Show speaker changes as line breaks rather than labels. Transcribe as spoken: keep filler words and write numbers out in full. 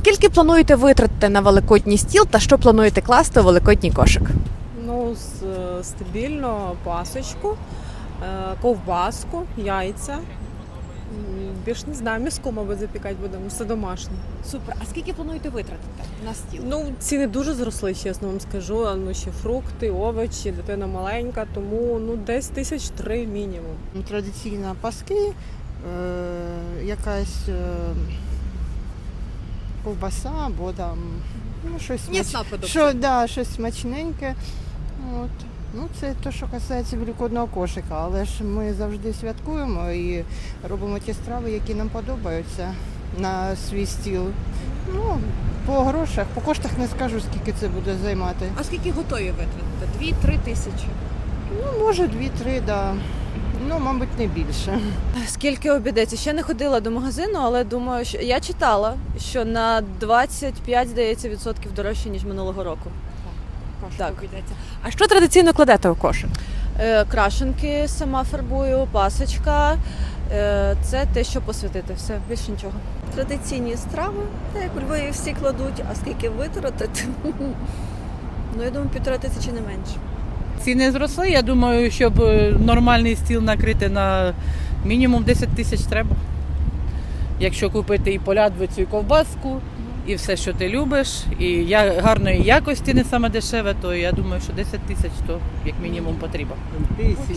Скільки плануєте витратити на великодній стіл та що плануєте класти у великодній кошик?
Ну, с- стабільно пасочку, е, ковбаску, яйця. М, Більш не знаю, м'яско, мабуть, запікати будемо, все домашнє.
Супер. А скільки плануєте витратити на стіл?
Ну, ціни дуже зросли, чесно вам скажу. А, Ну, ще фрукти, овочі, дитина маленька, тому ну, десь тисяч три мінімум.
Традиційно паски, е, якась е, ковбаса або там ну, щось,
М'ясна
смач...
продукція.
що, да, щось смачненьке. От. Ну, це те, що касається великодного кошика, але ж ми завжди святкуємо і робимо ті страви, які нам подобаються на свій стіл. Ну, по грошах, по коштах не скажу, скільки це буде займати.
А скільки готові витратити? Дві-три тисячі.
Ну, може, дві-три, да. Ну, мабуть, не більше.
Скільки обійдеться? Ще не ходила до магазину, але думаю, що я читала, що на двадцять п'ять, здається, відсотків дорожче, ніж минулого року.
Кошик
Так.
обійдеться. А що традиційно кладете у кошик?
Е, крашенки сама фарбую, пасочка. Е, це те, що посвятити. Все, більше нічого.
Традиційні страви, так як у Львові всі кладуть, а скільки витратити? Ну, я думаю, півтора тисячі не менше.
Ціни зросли, я думаю, щоб нормальний стіл накрити на мінімум десять тисяч треба. Якщо купити і полядвицю, і ковбаску, і все, що ти любиш, і я- гарної якості, не саме дешеве, то я думаю, що десять тисяч то як мінімум потрібно.